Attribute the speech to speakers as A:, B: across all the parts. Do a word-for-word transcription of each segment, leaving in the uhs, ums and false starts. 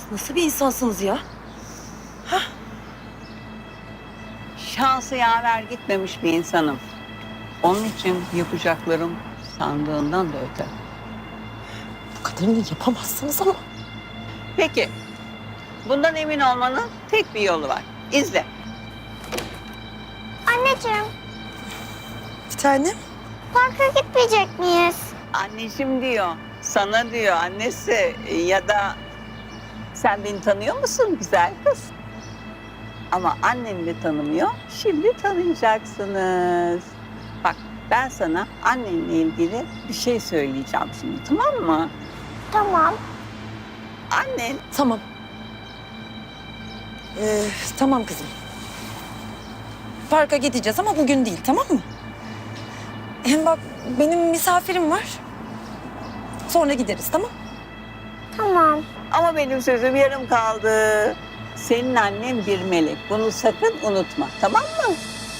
A: Nasıl bir insansınız ya?
B: Şansı yaver gitmemiş bir insanım. Onun için yapacaklarım sandığından da öte.
A: Bu kadarını yapamazsınız ama.
B: Peki, bundan emin olmanın tek bir yolu var. İzle.
C: Anneciğim,
A: Bir tane.
C: parka gitmeyecek miyiz?
B: Anneciğim diyor, sana diyor annesi ya da sen beni tanıyor musun güzel kız? Ama annen de tanımıyor, şimdi tanıyacaksınız. Bak ben sana annenle ilgili bir şey söyleyeceğim şimdi, tamam mı?
C: Tamam.
B: Annen
A: Tamam. Ee, tamam kızım. Parka gideceğiz ama bugün değil, tamam mı? Hem bak benim misafirim var. Sonra gideriz, tamam?
C: Tamam.
B: ama benim sözüm yarım kaldı. Senin annen bir melek, bunu sakın unutma, tamam mı?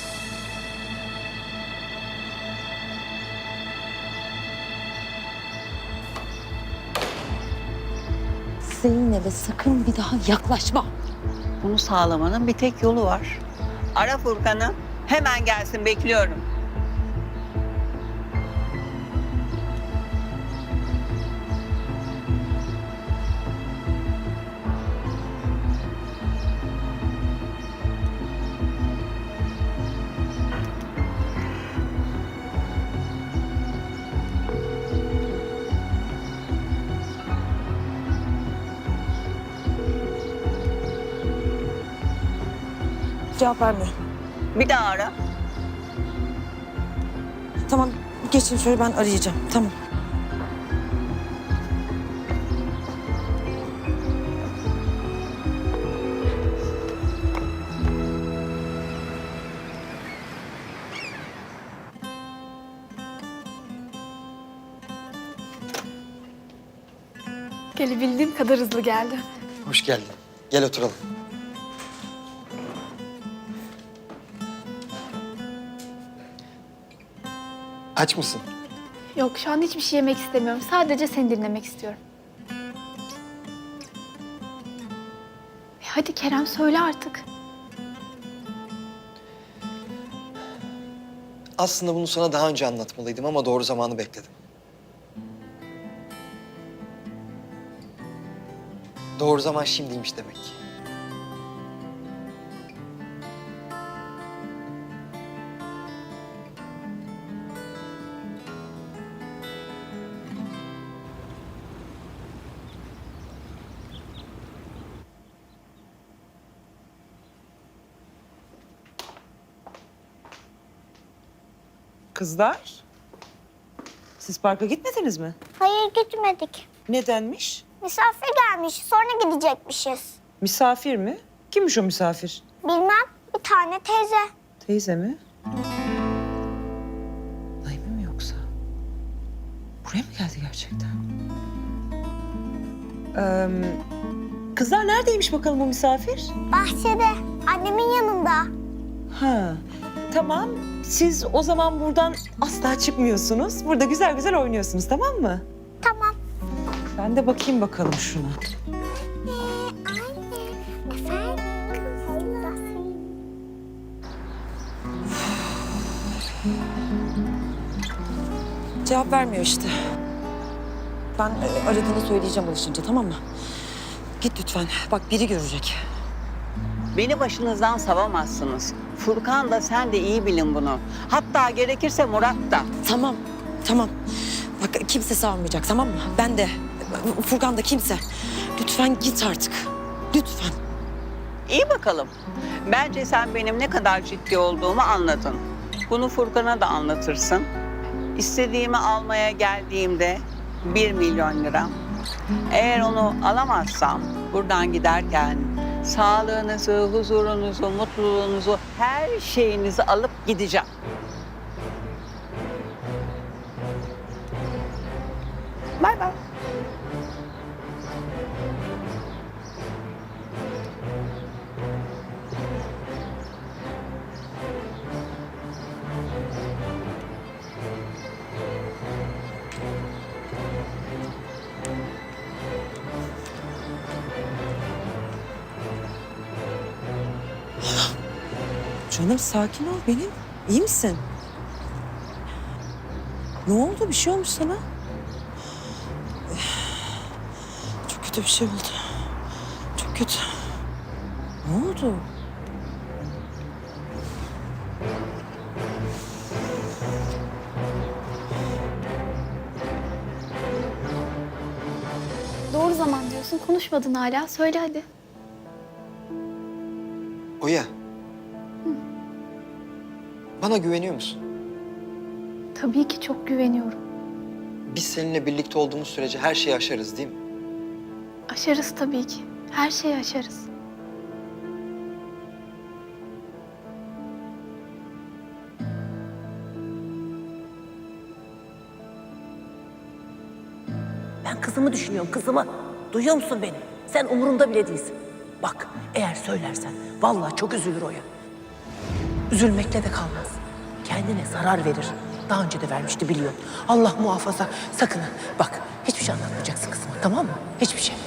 A: Zeynep'e sakın bir daha yaklaşma.
B: Bunu sağlamanın bir tek yolu var. Ara Furkan'ı, hemen gelsin, bekliyorum.
A: Cevap vermiyor.
B: Bir daha ara.
A: Tamam, geçin şöyle ben arayacağım, tamam.
D: Gelebildiğim kadar hızlı geldi.
E: Hoş geldin. Gel oturalım. Aç mısın?
D: Yok, şu an hiçbir şey yemek istemiyorum. Sadece seni dinlemek istiyorum. E hadi Kerem, söyle artık.
E: Aslında bunu sana daha önce anlatmalıydım ama doğru zamanı bekledim. Doğru zaman şimdiymiş demek ki.
F: Kızlar, siz parka gitmediniz mi?
C: Hayır, gitmedik.
F: Nedenmiş?
C: Misafir gelmiş, sonra gidecekmişiz.
F: Misafir mi? Kimmiş o misafir?
C: Bilmem, bir tane teyze.
F: Teyze mi? Naime mi yoksa? Buraya mı geldi gerçekten? Ee, kızlar neredeymiş bakalım o misafir?
C: Bahçede, annemin yanında.
F: Ha, tamam. Siz o zaman buradan asla çıkmıyorsunuz. Burada güzel güzel oynuyorsunuz, tamam mı?
C: Tamam.
F: Ben de bakayım bakalım şuna.
C: Efendim kızlar.
A: Cevap vermiyor işte. Ben e, aradığını söyleyeceğim alışınca, tamam mı? Git lütfen, bak biri görecek.
B: Beni başınızdan savamazsınız. Furkan da sen de iyi bilin bunu. Hatta gerekirse Murat da.
A: Tamam, tamam. Bak kimse savunmayacak, tamam mı? Ben de, Furkan da, kimse. Lütfen git artık, lütfen.
B: İyi bakalım. Bence sen benim ne kadar ciddi olduğumu anladın. Bunu Furkan'a da anlatırsın. İstediğimi almaya geldiğimde bir milyon lira. Eğer onu alamazsam buradan giderken sağlığınızı, huzurunuzu, mutluluğunuzu, her şeyinizi alıp gideceğim. Bay bay.
G: Canım sakin ol benim. İyi misin? Ne oldu? Bir şey olmuş sana?
A: Çok kötü bir şey oldu. Çok kötü.
G: Ne oldu?
D: Doğru zaman diyorsun. Konuşmadın hala. Söyle hadi.
E: Oya. Bana güveniyor musun?
D: Tabii ki çok güveniyorum.
E: Biz seninle birlikte olduğumuz sürece her şeyi aşarız değil mi?
D: Aşarız tabii ki. Her şeyi aşarız.
H: Ben kızımı düşünüyorum, kızımı. Duyuyor musun beni? Sen umurumda bile değilsin. Bak, eğer söylersen vallahi çok üzülür Oya. Üzülmekle de kalmaz. Kendine zarar verir. Daha önce de vermişti biliyorsun. Allah muhafaza. Sakın ha. Bak, hiçbir şey anlatmayacaksın kızıma, tamam mı? Hiçbir şey.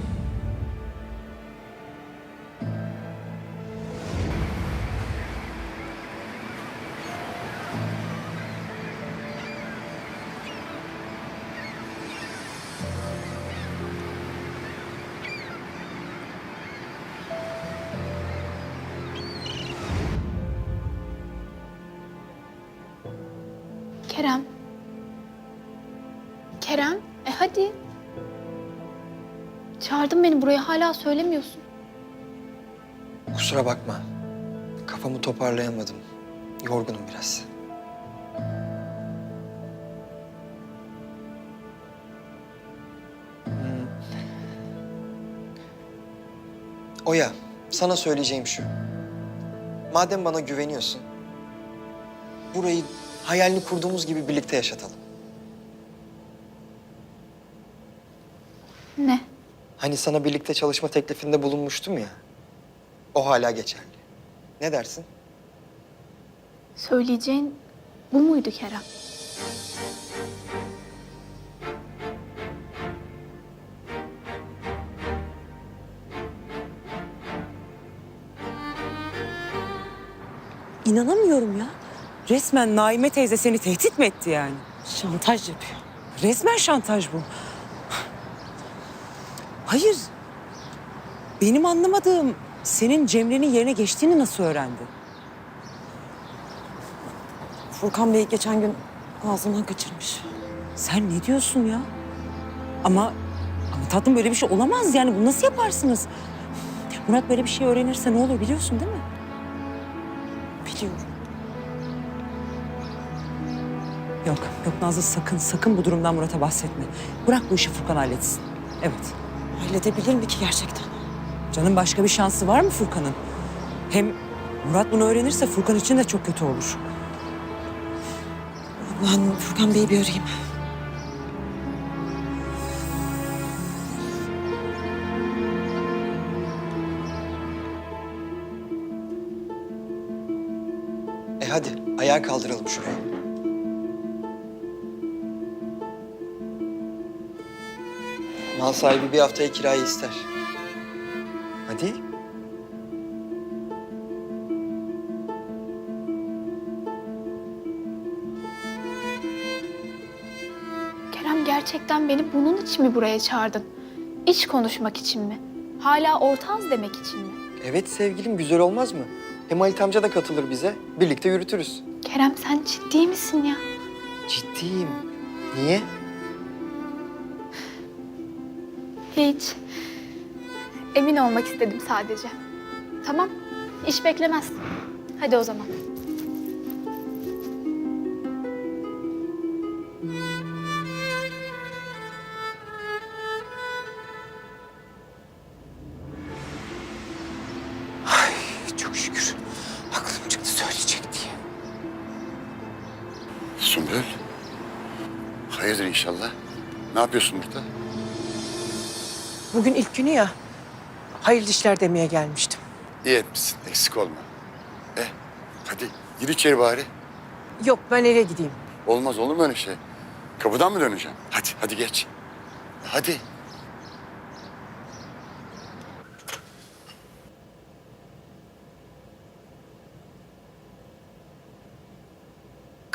D: Kerem. Kerem, e hadi. Çağırdın beni buraya, hala söylemiyorsun.
E: Kusura bakma. Kafamı toparlayamadım. Yorgunum biraz. Hmm. Oya, sana söyleyeceğim şu. Madem bana güveniyorsun, burayı hayalini kurduğumuz gibi birlikte yaşatalım.
D: Ne?
E: Hani sana birlikte çalışma teklifinde bulunmuştum ya. O hala geçerli. Ne dersin?
D: Söyleyeceğin bu muydu Kerem?
G: İnanamıyorum ya. Resmen Naime teyze seni tehdit mi etti yani?
A: Şantaj yapıyor.
G: Resmen şantaj bu. Hayır. Benim anlamadığım senin Cemre'nin yerine geçtiğini nasıl öğrendi?
A: Furkan Bey geçen gün ağzından kaçırmış.
G: Sen ne diyorsun ya? Ama, ama tatlım böyle bir şey olamaz yani. Bunu nasıl yaparsınız? Murat böyle bir şey öğrenirse ne olur biliyorsun değil mi?
A: Biliyorum.
G: Yok, yok Nazlı sakın, sakın bu durumdan Murat'a bahsetme. Bırak bu işi Furkan halletsin. Evet.
A: Halledebilir mi ki gerçekten?
G: Canım başka bir şansı var mı Furkan'ın? Hem Murat bunu öğrenirse Furkan için de çok kötü olur.
A: Ben Furkan Bey'i bir arayayım.
E: E hadi, ayağa kaldıralım şurayı. Mal sahibi bir haftaya kirayı ister. Hadi.
D: Kerem, gerçekten beni bunun için mi buraya çağırdın? İş konuşmak için mi? Hala ortağız demek için mi?
E: Evet sevgilim, güzel olmaz mı? Hem Halit amca da katılır bize. Birlikte yürütürüz.
D: Kerem, sen ciddi misin ya?
E: Ciddiyim. Niye?
D: Hiç. Emin olmak istedim sadece. Tamam, iş beklemez. Hadi o zaman.
H: Ay çok şükür. Aklım çıktı söyleyecek diye.
I: Sümbül. Hayırdır inşallah. Ne yapıyorsun burada?
H: Bugün ilk günü ya. Hayırlı işler demeye gelmiştim.
I: İyi etmişsin. Eksik olma. Eh hadi gir içeri bari.
H: Yok ben eve gideyim.
I: Olmaz olur mu öyle şey? Kapıdan mı döneceğim? Hadi hadi geç. Hadi.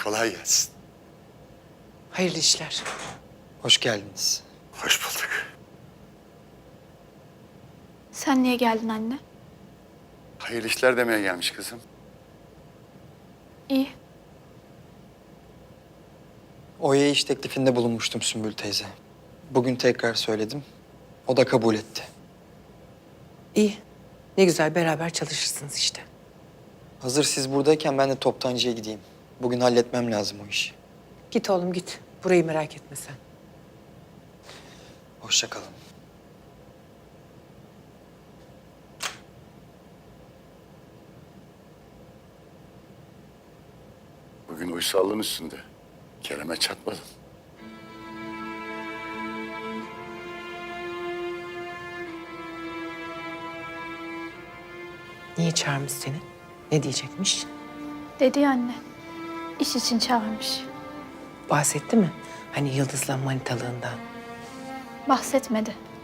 I: kolay gelsin.
F: Hayırlı işler.
E: Hoş geldiniz.
I: Hoş bulduk.
D: Sen niye geldin anne?
I: Hayırlı işler demeye gelmiş kızım.
D: İyi.
E: Oya'ya iş teklifinde bulunmuştum Sümbül teyze. Bugün tekrar söyledim. O da kabul etti.
F: İyi. Ne güzel beraber çalışırsınız işte.
E: Hazır siz buradayken ben de toptancıya gideyim. Bugün halletmem lazım o işi.
F: Git oğlum git. Burayı merak etme sen.
E: Hoşça kalın.
I: Bugün uysallığın üstünde. Kerem'e çatmadın.
F: Niye çağırmış seni? Ne diyecekmiş?
D: Dedi ya anne. İş için çağırmış.
F: Bahsetti mi? Hani Yıldız'la manitalığından.
D: Bahsetmedi.